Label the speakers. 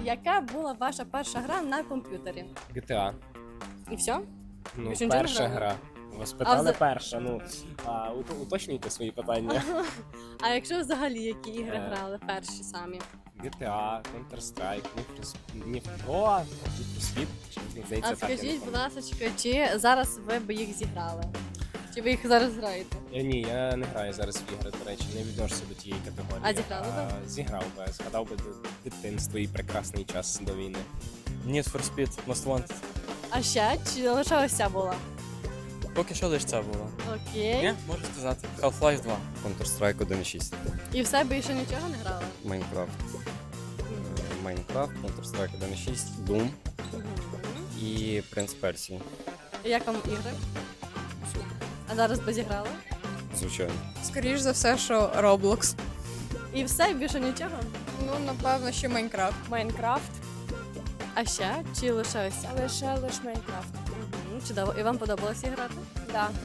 Speaker 1: яка була ваша перша гра на комп'ютері?
Speaker 2: GTA.
Speaker 1: І все?
Speaker 2: Ну,
Speaker 1: Більше нічого не
Speaker 2: перша
Speaker 1: грали?
Speaker 2: гра. Вас питали
Speaker 1: вза-
Speaker 2: перша, уточнюйте свої питання.
Speaker 1: А якщо взагалі які ігри
Speaker 2: Е.
Speaker 1: грали перші самі?
Speaker 2: GTA, Counter-Strike, Need for Speed. Здається,
Speaker 1: А
Speaker 2: так, я
Speaker 1: скажіть,
Speaker 2: не
Speaker 1: будь
Speaker 2: пам'ятаю.
Speaker 1: ласка, чи зараз ви б їх зіграли? Чи ви їх зараз граєте?
Speaker 2: Ні, я не граю зараз в ігри, до речі, не відношуся до тієї категорії.
Speaker 1: А зіграли би?
Speaker 2: Зіграв би, згадав би дитинство і прекрасний час до війни.
Speaker 3: Need for Speed, Most Wanted.
Speaker 1: А ще чи лише ось ця була?
Speaker 3: Поки що лише це було.
Speaker 1: Окей.
Speaker 3: Ні, можу сказати. Half-Life 2.
Speaker 4: Counter-Strike 1.6.
Speaker 1: І все більше нічого не грали?
Speaker 4: Майнкрафт. Майнкрафт, Counter-Strike 1.6, Doom і Принц Персії.
Speaker 1: І як вам ігри? А зараз би зіграли?
Speaker 4: Звичайно.
Speaker 5: Скоріш за все, що Roblox.
Speaker 1: І все, більше нічого?
Speaker 5: Ну, напевно, що Майнкрафт.
Speaker 6: Майнкрафт,
Speaker 1: А ще? Чи лише ось ця?
Speaker 6: лише Майнкрафт.
Speaker 1: Чудово. І вам подобалося грати?
Speaker 6: Да.